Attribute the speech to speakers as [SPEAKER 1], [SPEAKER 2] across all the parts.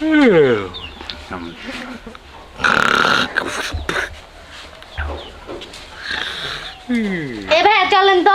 [SPEAKER 1] এ ভাইয়া চলেন তো।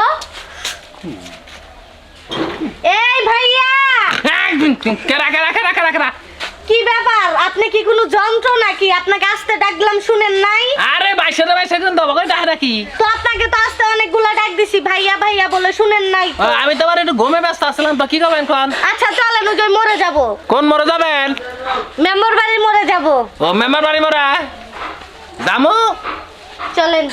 [SPEAKER 1] এই ভাইয়া
[SPEAKER 2] কেরা কেরা কেরা কেরা কেরা
[SPEAKER 1] কি ব্যাপার? আপনি কি কোনো যন্ত্র নাকি? আপনাকে আসতে ডাকলাম শুনেন নাই?
[SPEAKER 2] আরে বাইশে কিন্তু দেবো ডাক কি
[SPEAKER 1] তো আপনাকে তো আসতে অনেকগুলা ডাক দিছি ভাইয়া ভাইয়া বলে, শুনেন নাই তো?
[SPEAKER 2] আমি তোমার একটু ঘুমে ব্যস্ত আসছিলাম তো কি করবেন কোন?
[SPEAKER 1] আচ্ছা চলেন, ওই যে মরে যাব।
[SPEAKER 2] কোন মরে যাবেন?
[SPEAKER 1] মেম্বার বাড়ি মরে যাব।
[SPEAKER 2] ও মেম্বার বাড়ি মরা দামু
[SPEAKER 1] চলেন।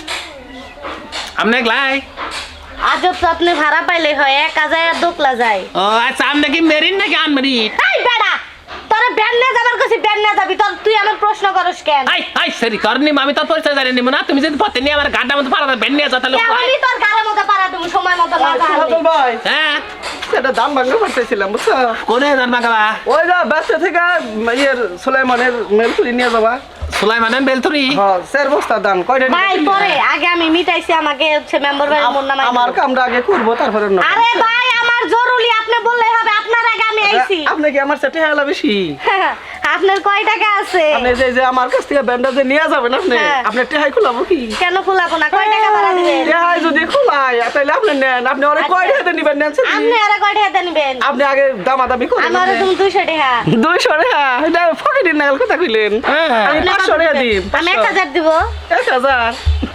[SPEAKER 2] আপনি গলাই
[SPEAKER 1] আজব তো, আপনি ভাড়া পাইলে হয়, একা যায় আর দোকলা যায়।
[SPEAKER 2] ও আচ্ছা আপনি কি মেরিন নাকি আনমেরিন?
[SPEAKER 1] এই বেড়া, তোরা ব্যান না যাবার কাছে ব্যান না যাবি, তোর তুই আমার প্রশ্ন করস কেন?
[SPEAKER 2] আই আই সরি করনি আমি তোর পরিচয় জানি না তুমি যদি পথে নিয়ে আমার গাড়ির মধ্যে পাড়া বেন নিয়ে যা তাহলে
[SPEAKER 1] কেমনই তোর গাড়ির মধ্যে পাড়া তুমি সময় মতো না যাবে।
[SPEAKER 3] ভাই
[SPEAKER 2] হ্যাঁ
[SPEAKER 3] সেটা দাম ভাঙা করতেছিলাম বুঝছো?
[SPEAKER 2] কোনে জানবা গাবা
[SPEAKER 3] ওই যা ব্যস্ত থেকে ইয়ের সুলাইমানের মেল তুলি নিয়ে যাবা।
[SPEAKER 2] সুলাইমানের বেলতুরি
[SPEAKER 3] হ্যাঁ স্যার বস্তা দাম কয়টা
[SPEAKER 1] ভাই পরে আগে আমি মিটাইছি, আমাকে হচ্ছে মেম্বার বাড়ির মোর নাম।
[SPEAKER 3] আমার কামটা আগে করবো তারপরে
[SPEAKER 1] আরে ভাই আমার জরুরি, আপনি বললেই হবে, আপনার আগে আমি আইছি।
[SPEAKER 3] আপনি কি আমার সাথে হেলা বেশি?
[SPEAKER 1] আপনার কয় টাকা আছে?
[SPEAKER 3] আপনি যে আমার কাছ থেকে ব্যান্ডাজে নিয়ে যাবেন আপনি
[SPEAKER 1] হ্যাঁ।
[SPEAKER 3] আপনি টেহাই খুলাবো কি?
[SPEAKER 1] কেন খোলাবো না? কয় টাকা ভাড়া দিবেন?
[SPEAKER 3] টেহাই যদি খুলাই তাহলে আপনি নেন, আপনি অনেক কয় টাকাতে নিবেন নেন সেটা
[SPEAKER 1] আপনি আরে কয় টাকা নিবেন?
[SPEAKER 3] আপনি আগে দামাদামি করেন।
[SPEAKER 1] আমার তুমি 200 টাকা।
[SPEAKER 3] 200 টাকা এটা ফকিরের নাগাল কথা কইলেন। আমি 500 টাকা দিই।
[SPEAKER 1] আমি 1000 দিব।
[SPEAKER 3] 1000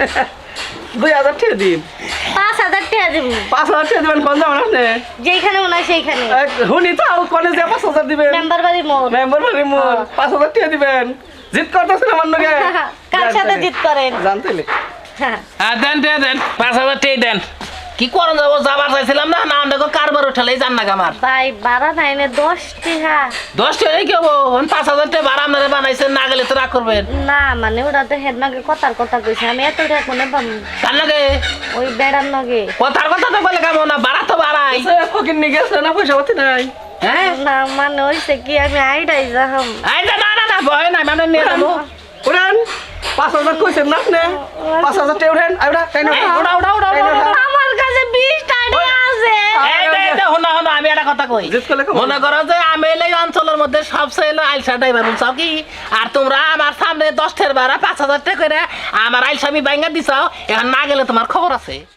[SPEAKER 3] 2000 টাকা দিই।
[SPEAKER 1] 5000 টাকা দিব।
[SPEAKER 3] 5000 টাকা দিবেন কোন যাবেন আপনি?
[SPEAKER 1] যেখানে মনে হয় সেইখানে।
[SPEAKER 3] হুনি তো কোনে যে 5000 দিবেন?
[SPEAKER 1] মেম্বার বাড়ি মোর।
[SPEAKER 3] মেম্বার বাড়ি মোর 5000 টাকা দিবেন। জিত করতেছেন আমার লগে।
[SPEAKER 1] কার সাথে জিত করেন?
[SPEAKER 3] জানতেলে
[SPEAKER 2] হ্যাঁ দেন দেন দেন 5000 টাকা দেন কি করন যাবো যাবার চাইছিলাম না না দেখো কারবার উঠালেই জান না আমার
[SPEAKER 1] ভাই ভাড়া নাই না 10 টাকা।
[SPEAKER 2] 10 টাকা কি হবো 5000 টাকা ভাড়া আপনারা বানাইছেন না গেলে তো রাগ করবেন
[SPEAKER 1] না মানে ওরা তো হেডমাকে কথার কথা কইছে, আমি এত টাকা কোনে পাবো?
[SPEAKER 2] তার লাগে
[SPEAKER 1] ওই বেড়ার নগে।
[SPEAKER 2] কথার কথা তো বলে কেমন না ভাড়া তো বাড়াই
[SPEAKER 3] ফকির নিয়ে গেছে না পয়সা পাতি নাই।
[SPEAKER 2] হ্যাঁ
[SPEAKER 1] না মানে হইছে কি আমি আইডাই যাহাম।
[SPEAKER 2] এই না না না ভয় নাই মানে নিয়ে যাবো
[SPEAKER 3] উড়ান 5000 কইছেন না আপনি 5000 টাকা উড়ান আইডা তাই না?
[SPEAKER 2] উড়া উড়া উড়া
[SPEAKER 1] আমার কাছে 20 টাকা আছে।
[SPEAKER 2] এই দে হনা হনা আমি একটা কথা কই
[SPEAKER 3] জিত করলে
[SPEAKER 2] মনে করো যে আমি এই অঞ্চলের মধ্যে সবচেয়ে হলো আইলসা ড্রাইভার বুঝছাও কি আর তোমরা আমার সামনে 10 টাকা ভাড়া 5000 টাকা করে আমার আইলসা আমি বাইঙ্গা দিছাও এখন না গেলে তোমার খবর আছে।